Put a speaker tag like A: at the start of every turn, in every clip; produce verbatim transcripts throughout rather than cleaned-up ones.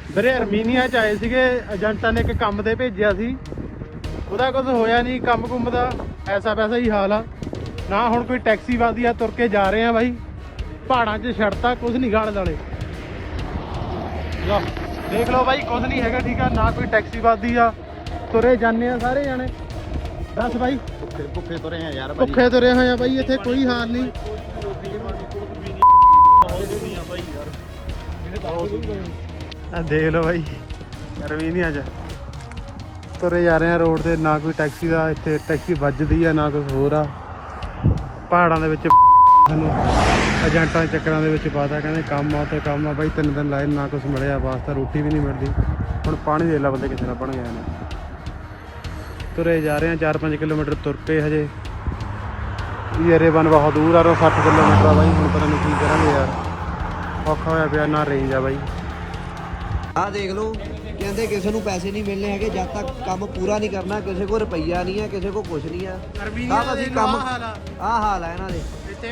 A: ਵੀਰੇ ਅਰਮੀਨੀਆ ਚ ਆਏ ਸੀਗੇ ਏਜੰਟਾਂ ਨੇ ਇੱਕ ਕੰਮ ਤੇ ਭੇਜਿਆ ਸੀ, ਉਹਦਾ ਕੁਝ ਹੋਇਆ ਨਹੀਂ ਕੰਮ ਕੁੰਮ ਦਾ, ਐਸਾ ਵੈਸਾ ਹੀ ਹਾਲ ਆ ਨਾ। ਹੁਣ ਕੋਈ ਟੈਕਸੀ ਵੱਧਦੀ ਆ, ਤੁਰ ਕੇ ਜਾ ਰਹੇ ਆ ਬਾਈ, ਪਹਾੜਾਂ 'ਚ ਛੜਤਾ ਕੁਝ ਨਹੀਂ ਗਾਲ ਦਾਲੇ। ਲਓ ਦੇਖ ਲਓ ਬਾਈ, ਕੁਝ ਨਹੀਂ ਹੈਗਾ ਠੀਕ ਆ ਨਾ, ਕੋਈ ਟੈਕਸੀ ਵੱਧਦੀ ਆ, ਤੁਰੇ ਜਾਂਦੇ ਆ ਸਾਰੇ ਜਾਣੇ। ਦੱਸ ਬਾਈ,
B: ਭੁੱਖੇ ਭੁੱਖੇ ਤੁਰੇ ਆ ਯਾਰ,
A: ਭੁੱਖੇ ਤੁਰੇ ਹੋਏ ਆ ਬਾਈ, ਇੱਥੇ ਕੋਈ ਹਾਲ ਨਹੀਂ। ਆ ਦੇਖ ਲਓ ਬਾਈ, ਅਰਮੀਨੀਆ 'ਚ ਤੁਰੇ ਜਾ ਰਹੇ ਆ ਰੋਡ ਤੇ, ਨਾ ਕੋਈ ਟੈਕਸੀ ਦਾ ਇੱਥੇ ਟੈਕਸੀ ਵੱਜਦੀ ਆ ਨਾ ਕੁਝ ਹੋਰ ਆ। ਪਹਾੜਾਂ ਦੇ ਵਿੱਚ ਸਾਨੂੰ ਏਜੰਟਾਂ ਦੇ ਚੱਕਰਾਂ ਦੇ ਵਿੱਚ ਪਾਤਾ, ਕਹਿੰਦੇ ਕੰਮ ਆ ਤੇ ਕੰਮ ਆ ਬਾਈ, ਤਿੰਨ ਦਿਨ ਲਾਏ ਨਾ ਕੁਝ ਮਿਲਿਆ, ਵਾਸਤਾ ਰੋਟੀ ਵੀ ਨਹੀਂ ਮਿਲਦੀ। ਹੁਣ ਪਾਣੀ ਦੇ ਲਾ ਬੰਦੇ ਕਿਸੇ ਨਾਲ ਬਣ ਗਏ ਨੇ। ਤੁਰੇ ਜਾ ਰਹੇ ਆ ਚਾਰ ਪੰਜ ਕਿਲੋਮੀਟਰ ਤੁਰ ਪਏ ਹਜੇ, ਯਾਰੇ ਬਨ ਬਹੁਤ ਦੂਰ ਆ, ਸੱਠ ਕਿਲੋਮੀਟਰ ਆ ਬਾਈ। ਹੁਣ ਪਤਾ ਨਹੀਂ ਕੀ ਕਰਾਂਗੇ ਯਾਰ, ਔਖਾ ਹੋਇਆ ਪਿਆ, ਨਾ ਰੇਂਜ ਆ ਬਾਈ।
C: ਆਹ ਦੇਖ ਲਓ, ਕਹਿੰਦੇ ਕਿਸੇ ਨੂੰ ਪੈਸੇ ਨਹੀਂ ਮਿਲਣੇ ਹੈਗੇ ਜਦ ਤੱਕ ਕੰਮ ਪੂਰਾ ਨਹੀਂ ਕਰਨਾ। ਕਿਸੇ ਕੋਲ ਰੁਪਈਆ ਨਹੀਂ ਹੈ, ਕਿਸੇ ਕੋਲ ਕੁਝ ਨਹੀਂ ਆ। ਸਭ ਅਸੀਂ ਕੰਮ ਆਹ ਹਾਲ ਹੈ ਇਹਨਾਂ ਦੇ।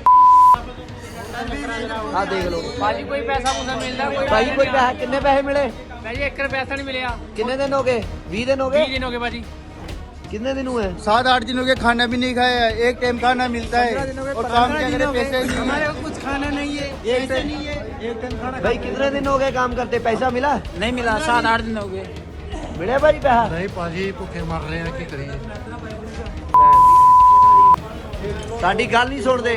C: ਆਹ ਦੇਖ ਲਓ
D: ਭਾਜੀ, ਕੋਈ ਪੈਸਾ ਪੂਸਾ ਮਿਲਦਾ? ਕੋਈ
C: ਭਾਈ ਕੋਈ ਪੈਸਾ, ਕਿੰਨੇ ਪੈਸੇ ਮਿਲੇ?
D: ਭਾਜੀ ਇੱਕ ਰੁਪਿਆ ਪੈਸਾ ਨਹੀਂ ਮਿਲਿਆ।
C: ਕਿੰਨੇ ਦਿਨ ਹੋ ਗਏ? ਵੀਹ ਦਿਨ ਹੋ
D: ਵੀਹ
C: गए
D: ਦਿਨ ਹੋ ਗਏ ਭਾਜੀ।
C: कितने दिन हुए?
B: सात आठ दिन हो गए, खाना भी नहीं खाया, एक टाइम खाना मिलता है और काम क्या करें, पैसे नहीं।
D: हमारे को कुछ खाना नहीं है,
C: एक
D: पैसे नहीं है।
C: एक दिन खाना भाई कितने दिन हो गए काम करते? पैसा मिला
D: नहीं मिला, सात आठ दिन हो गए।
C: मिले भाई पैसा?
A: ਨਹੀਂ ਭਾਜੀ ਭੁੱਖੇ ਮਰ ਰਹੇ ਆ, ਕੀ ਕਰੀਏ।
C: साडी गल नहीं सुनते।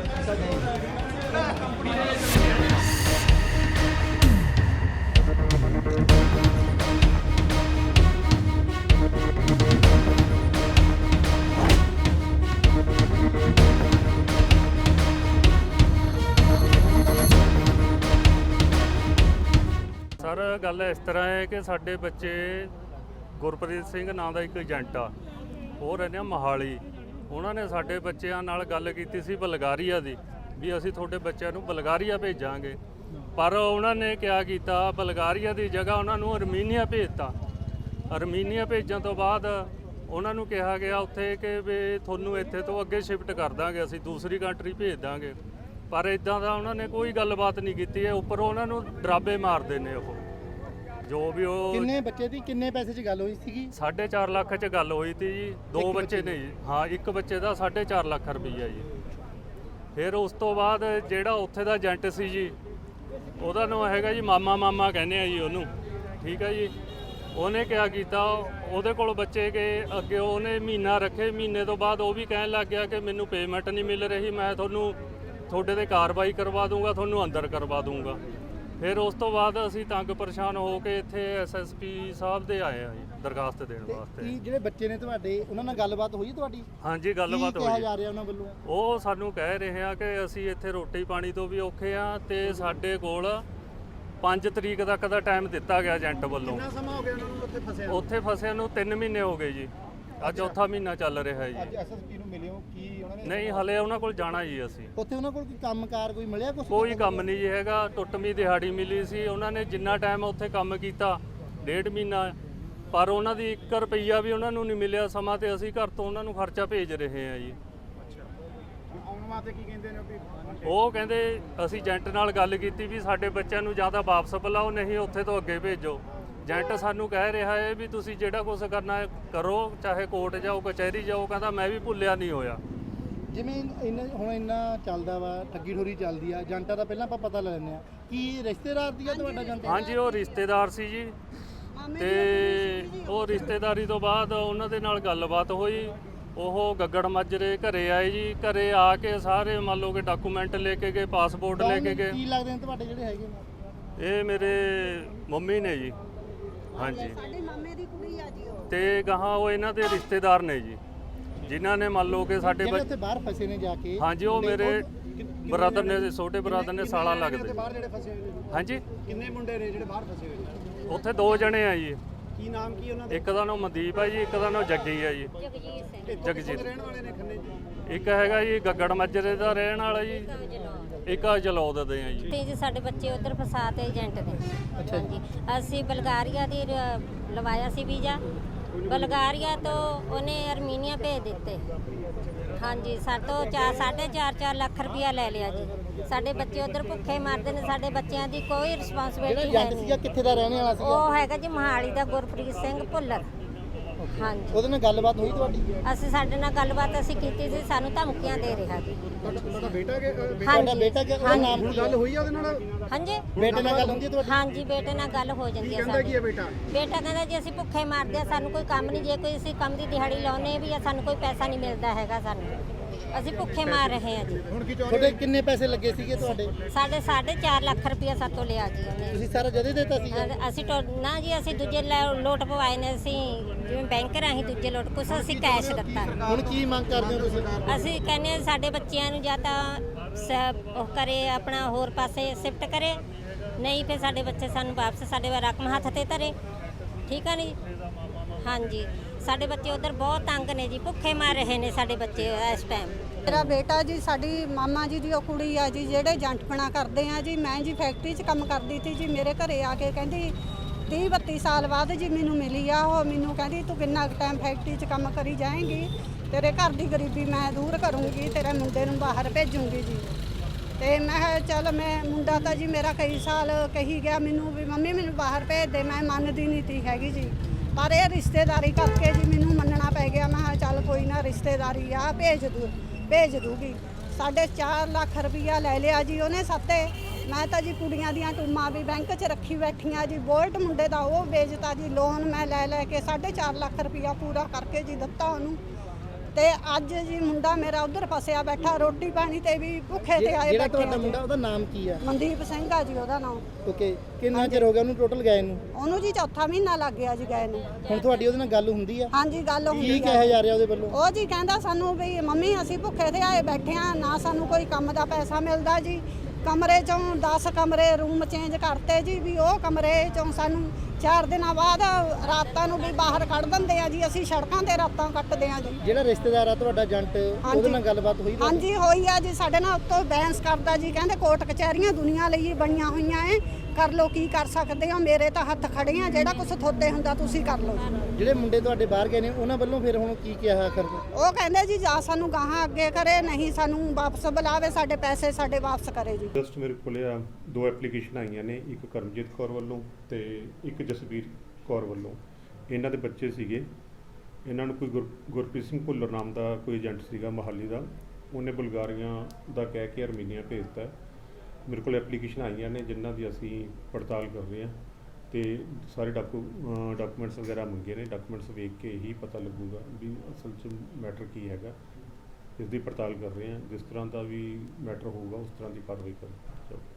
E: ਸਰ ਗੱਲ ਇਸ ਤਰ੍ਹਾਂ ਹੈ ਕਿ ਸਾਡੇ ਬੱਚੇ, ਗੁਰਪ੍ਰੀਤ ਸਿੰਘ ਨਾਂ ਦਾ ਇੱਕ ਏਜੰਟ ਆ, ਉਹ ਰਹਿੰਦੇ ਆ ਮੋਹਾਲੀ। ਉਹਨਾਂ ਨੇ ਸਾਡੇ ਬੱਚਿਆਂ ਨਾਲ ਗੱਲ ਕੀਤੀ ਸੀ ਬਲਗਾਰੀਆ ਦੀ, ਵੀ ਅਸੀਂ ਤੁਹਾਡੇ ਬੱਚਿਆਂ ਨੂੰ ਬਲਗਾਰੀਆ ਭੇਜਾਂਗੇ। ਪਰ ਉਹਨਾਂ ਨੇ ਕਿਆ ਕੀਤਾ, ਬਲਗਾਰੀਆ ਦੀ ਜਗ੍ਹਾ ਉਹਨਾਂ ਨੂੰ ਅਰਮੀਨੀਆ ਭੇਜਤਾ। ਅਰਮੀਨੀਆ ਭੇਜਣ ਤੋਂ ਬਾਅਦ ਉਹਨਾਂ ਨੂੰ ਕਿਹਾ ਗਿਆ ਉੱਥੇ ਕਿ ਵੀ ਤੁਹਾਨੂੰ ਇੱਥੇ ਤੋਂ ਅੱਗੇ ਸ਼ਿਫਟ ਕਰ ਦਾਂਗੇ, ਅਸੀਂ ਦੂਸਰੀ ਕੰਟਰੀ ਭੇਜ ਦਾਂਗੇ। ਪਰ ਇਦਾਂ ਦਾ ਉਹਨਾਂ ਨੇ ਕੋਈ ਗੱਲਬਾਤ ਨਹੀਂ ਕੀਤੀ ਹੈ। ਉੱਪਰ ਉਹਨਾਂ ਨੂੰ ਡਰਾਬੇ ਮਾਰਦੇ ਨੇ ਉਹ, ਜੋ ਵੀ ਉਹ।
A: ਕਿੰਨੇ ਬੱਚੇ ਦੀ ਕਿੰਨੇ ਪੈਸੇ 'ਚ ਗੱਲ ਹੋਈ ਸੀਗੀ?
E: ਸਾਢੇ ਚਾਰ ਲੱਖ 'ਚ ਗੱਲ ਹੋਈ ਤੀ ਜੀ। ਦੋ ਬੱਚੇ ਨੇ ਜੀ, ਹਾਂ ਇੱਕ ਬੱਚੇ ਦਾ ਸਾਢੇ ਚਾਰ ਲੱਖ ਰੁਪਈਆ ਜੀ। ਫਿਰ ਉਸ ਤੋਂ ਬਾਅਦ ਜਿਹੜਾ ਉੱਥੇ ਦਾ ਏਜੰਟ ਸੀ ਜੀ, ਉਹਦਾ ਨਾਮ ਹੈਗਾ ਜੀ ਮਾਮਾ ਮਾਮਾ ਕਹਿੰਦੇ ਆ ਜੀ ਉਹਨੂੰ, ਠੀਕ ਹੈ ਜੀ। ਉਹਨੇ ਕਿਆ ਕੀਤਾ, ਉਹਦੇ ਕੋਲ ਬੱਚੇ ਗਏ ਅੱਗੇ, ਉਹਨੇ ਮਹੀਨਾ ਰੱਖੇ। ਮਹੀਨੇ ਤੋਂ ਬਾਅਦ ਉਹ ਵੀ ਕਹਿਣ ਲੱਗ ਗਿਆ ਕਿ ਮੈਨੂੰ ਪੇਮੈਂਟ ਨਹੀਂ ਮਿਲ ਰਹੀ, ਮੈਂ ਤੁਹਾਨੂੰ ਤੁਹਾਡੇ ਤੇ ਕਾਰਵਾਈ ਕਰਵਾ ਦੂੰਗਾ, ਤੁਹਾਨੂੰ ਅੰਦਰ ਕਰਵਾ ਦੂੰਗਾ। ਫਿਰ ਉਸ ਤੋਂ ਬਾਅਦ ਅਸੀਂ ਤੰਗ ਪਰੇਸ਼ਾਨ ਹੋ ਕੇ ਇੱਥੇ ਐਸਐਸਪੀ ਸਾਹਿਬ ਦੇ ਆਏ ਆ ਜੀ ਦਰਖਾਸਤ ਦੇਣ ਵਾਸਤੇ।
A: ਕੀ ਜਿਹੜੇ ਬੱਚੇ ਨੇ ਤੁਹਾਡੇ, ਉਹਨਾਂ ਨਾਲ ਗੱਲਬਾਤ ਹੋਈ ਤੁਹਾਡੀ?
E: ਹਾਂਜੀ ਗੱਲਬਾਤ
A: ਕੀ ਕਿਹਾ
E: ਹੋਈ।
A: ਜਾ ਰਿਹਾ ਉਹਨਾਂ ਵੱਲੋਂ?
E: ਉਹ ਸਾਨੂੰ ਕਹਿ ਰਹੇ ਆ ਕਿ ਅਸੀਂ ਇੱਥੇ ਰੋਟੀ ਪਾਣੀ ਤੋਂ ਵੀ ਔਖੇ ਆ, ਤੇ ਸਾਡੇ ਕੋਲ ਪੰਜ ਤਰੀਕ ਤੱਕ ਦਾ ਟਾਈਮ ਦਿੱਤਾ ਗਿਆ ਏਜੰਟ ਵੱਲੋਂ।
A: ਕਿੰਨਾ ਸਮਾਂ ਹੋ ਗਿਆ ਉਹਨਾਂ ਨੂੰ ਉੱਥੇ ਫਸਿਆ?
E: ਉੱਥੇ ਫਸਿਆਂ ਨੂੰ ਤਿੰਨ ਮਹੀਨੇ ਹੋ ਗਏ ਜੀ, ਅੱਜ ਚੌਥਾ ਮਹੀਨਾ ਚੱਲ ਰਿਹਾ ਜੀ।
A: ਅੱਜ ਐਸਐਸਪੀ ਨੂੰ ਮਿਲੇ ਹੋ? ਕੀ ਉਹਨਾਂ ਨੇ
E: ਨਹੀਂ ਹਲੇ ਉਹਨਾਂ ਕੋਲ ਜਾਣਾ ਜੀ ਅਸੀਂ।
A: ਉੱਥੇ ਉਹਨਾਂ ਕੋਲ ਕੋਈ ਕੰਮਕਾਰ ਕੋਈ ਮਿਲਿਆ ਕੁਛ?
E: ਕੋਈ ਕੰਮ ਨਹੀਂ ਜੀ ਹੈਗਾ, ਟੁੱਟਵੀਂ ਦਿਹਾੜੀ ਮਿਲੀ ਸੀ। ਉਹਨਾਂ ਨੇ ਜਿੰਨਾ ਟਾਈਮ ਉੱਥੇ ਕੰਮ ਕੀਤਾ, ਡੇਢ ਮਹੀਨਾ, ਪਰ ਉਹਨਾਂ ਦੀ ਇੱਕ ਰੁਪਈਆ ਵੀ ਉਹਨਾਂ ਨੂੰ ਨਹੀਂ ਮਿਲਿਆ ਸਮਾਂ, ਤੇ ਅਸੀਂ ਘਰ ਤੋਂ ਉਹਨਾਂ ਨੂੰ ਖਰਚਾ ਭੇਜ ਰਹੇ ਹਾਂ ਜੀ।
A: ਆਉਣ ਵਾਸਤੇ ਕੀ ਕਹਿੰਦੇ ਨੇ?
E: ਉਹ ਕਹਿੰਦੇ ਅਸੀਂ ਏਜੰਟ ਨਾਲ ਗੱਲ ਕੀਤੀ ਵੀ ਸਾਡੇ ਬੱਚਿਆਂ ਨੂੰ ਜਾਂ ਤਾਂ ਵਾਪਸ ਬੁਲਾਓ, ਨਹੀਂ ਉੱਥੇ ਤੋਂ ਅੱਗੇ ਭੇਜੋ। ਏਜੰਟ ਸਾਨੂੰ ਕਹਿ ਰਿਹਾ ਹੈ ਵੀ ਤੁਸੀਂ ਜਿਹੜਾ ਕੁਝ ਕਰਨਾ ਹੈ ਕਰੋ, ਚਾਹੇ ਕੋਰਟ ਜਾਓ, ਕਚਹਿਰੀ ਜਾਓ। ਕਹਿੰਦਾ ਮੈਂ ਵੀ ਭੁੱਲਿਆ ਨਹੀਂ ਹੋਇਆ।
A: ਜਿਵੇਂ ਇੰਨਾ ਹੁਣ ਇੰਨਾ ਚੱਲਦਾ ਵਾ, ਠੱਗੀ ਠੋਰੀ ਚੱਲਦੀ ਆ, ਏਜੰਟਾਂ ਦਾ ਪਹਿਲਾਂ ਆਪਾਂ ਪਤਾ ਲੈ ਲੈਂਦੇ ਆ। ਕੀ ਰਿਸ਼ਤੇਦਾਰ ਦੀ ਆ ਤੁਹਾਡਾ ਏਜੰਟ?
E: ਹਾਂਜੀ ਉਹ ਰਿਸ਼ਤੇਦਾਰ ਸੀ ਜੀ, ਤੇ ਉਹ ਰਿਸ਼ਤੇਦਾਰੀ ਤੋਂ ਬਾਅਦ ਉਹਨਾਂ ਦੇ ਨਾਲ ਗੱਲਬਾਤ ਹੋਈ। ਉਹ ਗੱਗੜ ਮਾਜਰੇ ਘਰੇ ਆਏ ਜੀ। ਘਰੇ ਆ ਕੇ ਸਾਰੇ ਮੰਨ ਲਓ ਕਿ ਡਾਕੂਮੈਂਟ ਲੈ ਕੇ ਗਏ, ਪਾਸਪੋਰਟ ਲੈ ਕੇ ਗਏ।
A: ਕੀ ਲੱਗਦੇ ਨੇ ਤੁਹਾਡੇ ਜਿਹੜੇ ਹੈਗੇ ਨੇ?
E: ਇਹ ਮੇਰੇ ਮੰਮੀ ਨੇ ਜੀ। ਹਾਂਜੀ
F: ਸਾਡੇ ਮਾਮੇ ਦੀ ਕੁੜੀ ਆ ਜੀ ਉਹ।
E: ਤੇ ਗਾਹਾਂ ਉਹ ਇਹਨਾਂ ਦੇ ਰਿਸ਼ਤੇਦਾਰ ਨੇ ਜੀ, ਜਿਨ੍ਹਾਂ ਨੇ ਮੰਨ ਲਓ ਕਿ ਸਾਡੇ
A: ਜਿਹੜੇ
E: ਬੱਚੇ।
A: ਉੱਥੇ ਬਾਹਰ ਫਸੇ ਨੇ ਜਾ ਕੇ?
E: ਹਾਂਜੀ ਉਹ ਮੇਰੇ ਬ੍ਰਦਰ ਨੇ, ਛੋਟੇ ਬ੍ਰਦਰ ਨੇ, ਸਾਲਾ ਲੱਗਦੇ।
A: ਬਾਹਰ ਜਿਹੜੇ ਫਸੇ ਹੋਏ ਨੇ
E: ਹਾਂਜੀ
A: ਕਿੰਨੇ ਮੁੰਡੇ ਨੇ ਜਿਹੜੇ ਬਾਹਰ ਫਸੇ ਹੋਏ ਨੇ?
E: ਉੱਥੇ ਦੋ ਜਣੇ ਆ ਜੀ।
A: ਕੀ ਨਾਮ ਕੀ ਉਹਨਾਂ
E: ਇੱਕ ਦਾ ਨਾਮ ਮਨਦੀਪ ਹੈ ਜੀ, ਇੱਕ ਦਾ ਨਾਮ ਜੱਗੀ ਹੈ ਜੀ। ਜਗਜੀਤ
A: ਰਹਿਣ ਵਾਲੇ ਨੇ ਖੰਨੇ ਜੀ?
E: ਇੱਕ ਹੈਗਾ ਜੀ ਗੱਗੜ ਮੱਜਰੇ ਦਾ ਰਹਿਣ ਵਾਲਾ ਜੀ, ਇੱਕ ਜਲੌਦ ਦੇ ਆ ਜੀ।
F: ਤੇ ਜੀ ਸਾਡੇ ਬੱਚੇ ਉਧਰ ਫਸਾਤੇ ਏਜੰਟ ਨੇ। ਹਾਂਜੀ ਅਸੀਂ ਬਲਗਾਰੀਆ ਦੀ ਰ- ਲਵਾਇਆ ਸੀ ਵੀਜ਼ਾ, ਬਲਗਾਰੀਆ ਤੋਂ ਉਹਨੇ ਅਰਮੀਨੀਆ ਭੇਜ ਦਿੱਤੇ। ਹਾਂਜੀ ਸਾਡੇ ਤੋਂ ਚਾਰ ਸਾਢੇ ਚਾਰ ਚਾਰ ਲੱਖ ਰੁਪਇਆ ਲੈ ਲਿਆ ਜੀ। ਸਾਡੇ ਬੱਚੇ ਉਧਰ ਭੁੱਖੇ ਮਰਦੇ ਨੇ, ਸਾਡੇ ਬੱਚਿਆਂ ਦੀ ਕੋਈ ਰਿਸਪਾਂਸਿਬਿਲਟੀ ਹੈ
B: ਏਜੰਟ ਸੀਗਾ
F: ਨਹੀਂ।
B: ਕਿੱਥੇ ਦਾ ਰਹਿਣੇ ਵਾਲਾ ਸੀਗਾ?
F: ਉਹ ਹੈਗਾ ਜੀ ਮੋਹਾਲੀ ਦਾ ਗੁਰਪ੍ਰੀਤ ਸਿੰਘ ਭੁੱਲਰ। ਹਾਂਜੀ,
B: ਉਹਦੇ ਨਾਲ ਗੱਲਬਾਤ ਹੋਈ ਤੁਹਾਡੀ?
F: ਅਸੀਂ ਸਾਡੇ ਨਾਲ ਗੱਲਬਾਤ ਅਸੀਂ ਕੀਤੀ ਸੀ, ਸਾਨੂੰ ਧਮਕੀਆਂ ਦੇ ਰਿਹਾ ਜੀ।
B: ਤੁਹਾਡਾ ਬੇਟਾ ਕਿ
F: ਹਾਂਜੀ
B: ਬੇਟਾ ਕਿ ਉਹਦਾ ਨਾਮ ਕੀ ਗੱਲ ਹੋਈ ਆ ਉਹਦੇ ਨਾਲ?
F: ਹਾਂਜੀ,
B: ਬੇਟੇ ਨਾਲ ਗੱਲ ਹੁੰਦੀ ਹੈ ਤੁਹਾਡੀ?
F: ਹਾਂਜੀ ਬੇਟੇ ਨਾਲ ਗੱਲ ਹੋ ਜਾਂਦੀ ਹੈ ਸਾਡੀ।
B: ਬੇਟਾ
F: ਬੇਟਾ ਕਹਿੰਦਾ ਜੀ ਅਸੀਂ ਭੁੱਖੇ ਮਰਦੇ ਆ, ਸਾਨੂੰ ਕੋਈ ਕੰਮ ਨਹੀਂ, ਜੇ ਕੋਈ ਅਸੀਂ ਕੰਮ ਦੀ ਦਿਹਾੜੀ ਲਾਉਨੇ ਵੀ ਆ ਸਾਨੂੰ ਕੋਈ ਪੈਸਾ ਨਹੀਂ ਮਿਲਦਾ ਹੈਗਾ, ਸਾਨੂੰ ਅਸੀਂ ਭੁੱਖੇ ਮਾਰ ਰਹੇ ਆ ਜੀ।
B: ਹੁਣ ਕੀ ਤੁਹਾਡੇ ਕਿੰਨੇ ਪੈਸੇ ਲੱਗੇ ਸੀਗੇ ਤੁਹਾਡੇ?
F: ਸਾਡੇ ਸਾਢੇ ਚਾਰ ਲੱਖ ਰੁਪਇਆ ਸਾਤੋਂ ਲਿਆ ਜੀ ਉਹਨੇ।
B: ਤੁਸੀਂ ਸਾਰਾ ਜਦੇ ਦਿੱਤਾ ਸੀ?
F: ਅ- ਅਸੀਂ ਟੋ ਨਾ ਜੀ ਅਸੀਂ ਦੂਜੇ ਲੈ- ਲੋਟ ਪਵਾਏ ਨੇ, ਅਸੀਂ ਜਿਵੇਂ ਬੈਂਕ ਰਾਹੀਂ ਦੂਜੇ ਲੋਟ, ਕੁਛ ਅਸੀਂ ਕੈਸ਼ ਦਿੱਤਾ।
B: ਹੁਣ ਕੀ ਮੰਗ ਕਰਦੇ ਹੋ ਤੁਸੀਂ?
F: ਅਸੀਂ ਕਹਿੰਦੇ ਹਾਂ ਸਾਡੇ ਬੱਚਿਆਂ ਨੂੰ ਜਾਂ ਤਾਂ ਸ- ਉਹ ਕਰੇ ਆਪਣਾ ਹੋਰ ਪਾਸੇ ਸ਼ਿਫਟ ਕਰੇ, ਨਹੀਂ ਫਿਰ ਸਾਡੇ ਬੱਚੇ ਸਾਨੂੰ ਵਾਪਸ ਸਾਡੇ ਵੱਲ ਰਕਮ ਹੱਥ ਤੇ ਧਰੇ, ਠੀਕ ਆ ਨਹੀਂ? ਹਾਂਜੀ, ਸਾਡੇ ਬੱਚੇ ਉਧਰ ਬਹੁਤ ਤੰਗ ਨੇ ਜੀ, ਭੁੱਖੇ ਮਰ ਰਹੇ ਨੇ ਸਾਡੇ ਬੱਚੇ ਇਸ ਟਾਈਮ।
G: ਮੇਰਾ ਬੇਟਾ ਜੀ ਸਾਡੀ ਮਾਮਾ ਜੀ ਦੀ ਉਹ ਕੁੜੀ ਆ ਜੀ, ਜਿਹੜੇ ਏਜੰਟਪਣਾ ਕਰਦੇ ਆ ਜੀ। ਮੈਂ ਜੀ ਫੈਕਟਰੀ 'ਚ ਕੰਮ ਕਰਦੀ ਸੀ ਜੀ, ਮੇਰੇ ਘਰੇ ਆ ਕੇ ਕਹਿੰਦੀ ਤੀਹ ਬੱਤੀ ਸਾਲ ਬਾਅਦ ਜੀ ਮੈਨੂੰ ਮਿਲੀ ਆ ਉਹ। ਮੈਨੂੰ ਕਹਿੰਦੀ ਤੂੰ ਕਿੰਨਾ ਟਾਈਮ ਫੈਕਟਰੀ 'ਚ ਕੰਮ ਕਰੀ ਜਾਏਂਗੀ, ਤੇਰੇ ਘਰ ਦੀ ਗਰੀਬੀ ਮੈਂ ਦੂਰ ਕਰੂੰਗੀ, ਤੇਰੇ ਮੁੰਡੇ ਨੂੰ ਬਾਹਰ ਭੇਜੂੰਗੀ ਜੀ। ਤੇ ਮੈਂ ਕਿਹਾ ਚੱਲ, ਮੈਂ ਮੁੰਡਾ ਤਾਂ ਜੀ ਮੇਰਾ ਕਈ ਸਾਲ ਕਹੀ ਗਿਆ ਮੈਨੂੰ ਵੀ ਮੰਮੀ ਮੈਨੂੰ ਬਾਹਰ ਭੇਜ ਦੇ, ਮੈਂ ਮੰਨਦੀ ਨਹੀਂ ਤੀ ਹੈਗੀ ਜੀ। ਪਰ ਇਹ ਰਿਸ਼ਤੇਦਾਰੀ ਕਰਕੇ ਜੀ ਮੈਨੂੰ ਮੰਨਣਾ ਪੈ ਗਿਆ। ਮੈਂ ਕਿਹਾ ਚੱਲ ਕੋਈ ਨਾ, ਰਿਸ਼ਤੇਦਾਰੀ ਆ, ਭੇਜ ਦੂ ਭੇਜ ਦੂਗੀ। ਸਾਢੇ ਚਾਰ ਲੱਖ ਰੁਪਈਆ ਲੈ ਲਿਆ ਜੀ ਉਹਨੇ ਸਾਤੇ। ਮੈਂ ਤਾਂ ਜੀ ਕੁੜੀਆਂ ਦੀਆਂ ਟੂਮਾਂ ਵੀ ਬੈਂਕ 'ਚ ਰੱਖੀ ਬੈਠੀਆਂ ਜੀ, ਬੋਲਟ ਮੁੰਡੇ ਦਾ ਉਹ ਵੇਚਤਾ ਜੀ, ਲੋਨ ਮੈਂ ਲੈ ਲੈ ਕੇ ਸਾਢੇ ਚਾਰ ਲੱਖ ਰੁਪਈਆ ਪੂਰਾ ਕਰਕੇ ਜੀ ਦਿੱਤਾ ਉਹਨੂੰ। ਤੇ ਅੱਜ ਜੀ ਮੁੰਡਾ ਮੇਰਾ ਉਧਰ ਫਸਿਆ ਬੈਠਾ, ਰੋਟੀ ਪਾਣੀ ਤੇ ਵੀ ਭੁੱਖੇ ਤੇ ਆਏ
B: ਜਿਹੜਾ
G: ਬੈਠੇ
B: ਤੁਹਾਡਾ
G: ਆ
B: ਮੁੰਡਾ
G: ਜੀ।
B: ਉਹਦਾ ਨਾਮ ਕੀ ਆ?
G: ਮਨਦੀਪ ਸਿੰਘ ਆ ਜੀ ਉਹਦਾ ਨਾਮ।
B: ਓਕੇ, ਕਿੰਨਾ ਚਿਰ ਹੋ ਗਿਆ ਉਹਨੂੰ ਟੋਟਲ ਗਏ ਨੂੰ?
G: ਉਹਨੂੰ ਜੀ ਚੌਥਾ ਮਹੀਨਾ ਲੱਗ ਗਿਆ ਜੀ ਗਏ ਨੂੰ।
B: ਹੁਣ ਤੁਹਾਡੀ ਉਹਦੇ ਨਾਲ ਗੱਲ ਹੁੰਦੀ ਆ?
G: ਹਾਂਜੀ ਗੱਲ ਹੁੰਦੀ
B: ਕੀ
G: ਆ।
B: ਕਿਹਾ ਜਾ ਰਿਹਾ ਉਹਦੇ ਵੱਲੋਂ?
G: ਉਹ ਜੀ ਕਹਿੰਦਾ ਸਾਨੂੰ ਵੀ ਮੰਮੀ ਅਸੀਂ ਭੁੱਖੇ ਤੇ ਆਏ ਬੈਠੇ ਆ, ਨਾ ਸਾਨੂੰ ਕੋਈ ਕੰਮ ਦਾ ਪੈਸਾ ਮਿਲਦਾ ਜੀ। ਕਮਰੇ ਚੋਂ ਦਸ ਕਮਰੇ ਰੂਮ ਚੇਂਜ ਕਰਤੇ ਜੀ, ਵੀ ਉਹ ਕਮਰੇ ਚੋਂ ਸਾਨੂੰ ਚਾਰ ਦਿਨਾਂ ਬਾਅਦ ਰਾਤਾਂ ਨੂੰ ਵੀ ਬਾਹਰ ਕੱਢ ਦਿੰਦੇ ਆ ਜੀ, ਅਸੀਂ ਸੜਕਾਂ ਤੇ ਰਾਤਾਂ ਕੱਟਦੇ ਆ ਜੀ।
B: ਜਿਹੜਾ ਰਿਸ਼ਤੇਦਾਰ ਆ ਤੁਹਾਡਾ ਏਜੰਟ, ਉਹਦੇ ਨਾਲ ਗੱਲਬਾਤ ਹੋਈ ਤੁਹਾਡੀ?
G: ਹਾਂਜੀ ਹੋਈ ਆ ਜੀ, ਸਾਡੇ ਨਾਲ ਉੱਤੋਂ ਬੈਂਸ ਕਰਦਾ ਜੀ, ਕਹਿੰਦੇ ਕੋਰਟ ਕਚਹਿਰੀਆਂ ਦੁਨੀਆ ਲਈ ਬਣੀਆਂ ਹੋਈਆਂ ਏ, ਕਰ ਲੋ ਕੀ ਕਰ ਸਕਦੇ ਹੋ, ਮੇਰੇ ਤਾਂ ਹੱਥ ਖੜੇ ਆ, ਜਿਹੜਾ ਕੁਝ ਥੋਤੇ ਹੁੰਦਾ ਤੁਸੀਂ ਕਰ ਲਓ।
B: ਜਿਹੜੇ ਮੁੰਡੇ ਤੁਹਾਡੇ ਬਾਹਰ ਗਏ ਨੇ ਉਹਨਾਂ ਵੱਲੋਂ ਫਿਰ ਹੁਣ ਕੀ ਕਿਹਾ ਆਖਰ?
G: ਉਹ ਕਹਿੰਦੇ ਜੀ ਜਾਂ ਸਾਨੂੰ ਗਾਹਾਂ ਅੱਗੇ ਕਰੇ, ਨਹੀਂ ਸਾਨੂੰ ਵਾਪਸ ਬੁਲਾਵੇ, ਸਾਡੇ ਪੈਸੇ ਸਾਡੇ ਵਾਪਸ ਕਰੇ ਜੀ।
H: ਜਸਟ ਮੇਰੇ ਕੋਲੇ ਆ ਦੋ ਐਪਲੀਕੇਸ਼ਨ ਆਈਆਂ ਨੇ, ਇੱਕ ਕਰਮਜੀਤ ਕੌਰ ਵੱਲੋਂ ਤੇ ਇੱਕ ਜਸਵੀਰ ਕੌਰ ਵੱਲੋਂ। ਇਹਨਾਂ ਦੇ ਬੱਚੇ ਸੀਗੇ, ਇਹਨਾਂ ਨੂੰ ਕੋਈ ਗੁਰ ਗੁਰਪ੍ਰੀਤ ਸਿੰਘ ਭੁੱਲਰ ਨਾਮ ਦਾ ਕੋਈ ਏਜੰਟ ਸੀਗਾ ਮੋਹਾਲੀ ਦਾ, ਉਹਨੇ ਬੁਲਗਾਰੀਆਂ ਦਾ ਕਹਿ ਕੇ ਅਰਮੀਨੀਆ ਭੇਜਤਾ। ਮੇਰੇ ਕੋਲ ਐਪਲੀਕੇਸ਼ਨ ਆਈਆਂ ਨੇ ਜਿਨ੍ਹਾਂ ਦੀ ਅਸੀਂ ਪੜਤਾਲ ਕਰ ਰਹੇ ਹਾਂ ਤੇ ਸਾਰੇ ਡਾਕੂ ਡਾਕੂਮੈਂਟਸ ਵਗੈਰਾ ਮੰਗੇ ਨੇ। ਡਾਕੂਮੈਂਟਸ ਵੇਖ ਕੇ ਹੀ ਪਤਾ ਲੱਗੂਗਾ ਵੀ ਅਸਲ 'ਚ ਮੈਟਰ ਕੀ ਹੈਗਾ। ਇਸ ਦੀ ਪੜਤਾਲ ਕਰ ਰਹੇ ਹਾਂ, ਜਿਸ ਤਰ੍ਹਾਂ ਦਾ ਵੀ ਮੈਟਰ ਹੋਊਗਾ ਉਸ ਤਰ੍ਹਾਂ ਦੀ ਕਾਰਵਾਈ ਕਰਾਂਗੇ।